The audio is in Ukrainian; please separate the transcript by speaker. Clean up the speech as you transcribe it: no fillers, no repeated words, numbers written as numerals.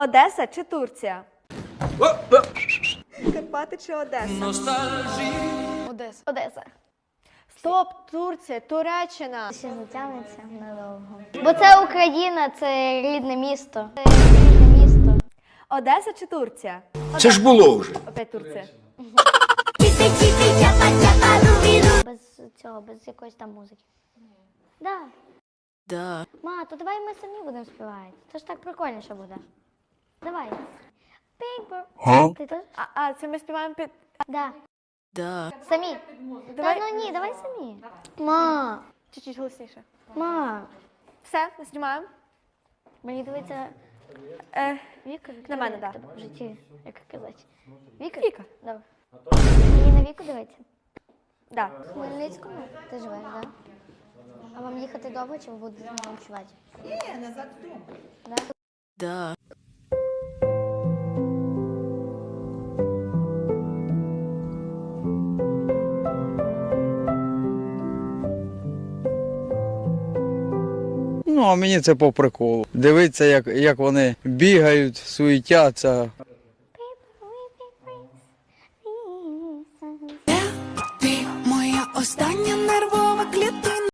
Speaker 1: Одеса чи Турція? Карпати чи Одеса?
Speaker 2: Одеса.
Speaker 3: Одеса.
Speaker 1: Стоп, Турція, Туреччина.
Speaker 3: Ще затягнеться надовго. Бо це Україна, це рідне місто. Це рідне місто.
Speaker 1: Одеса чи Турція?
Speaker 4: Це ж було вже.
Speaker 1: Опять Турція.
Speaker 3: Без цього, без якоїсь там музики. Да.
Speaker 2: Да.
Speaker 3: Ма, то давай ми самі будемо співати. Це ж так прикольніше буде. Давай. Пінк. Ти теж?
Speaker 1: Це ми співаємо під...
Speaker 3: Да.
Speaker 2: Да.
Speaker 3: Самі.
Speaker 1: Давай.
Speaker 3: Та ну ні, давай самі. Ма.
Speaker 1: Чуть-чуть голосніше.
Speaker 3: Ма.
Speaker 1: Все, знімаємо.
Speaker 3: Мені дивиться Віка.
Speaker 1: На мене, да.
Speaker 3: В житті, як казати. Віка?
Speaker 1: Віка.
Speaker 3: Добре. Мені на Віку дивиться?
Speaker 1: Да.
Speaker 3: В Хмельницькому ти живеш, так? Да? А вам їхати довго чи ви будете ночувати?
Speaker 5: Ні, назад вдома.
Speaker 3: Да?
Speaker 2: Да.
Speaker 6: Ну, а мені це по приколу. Дивитися, як вони бігають, суетяться.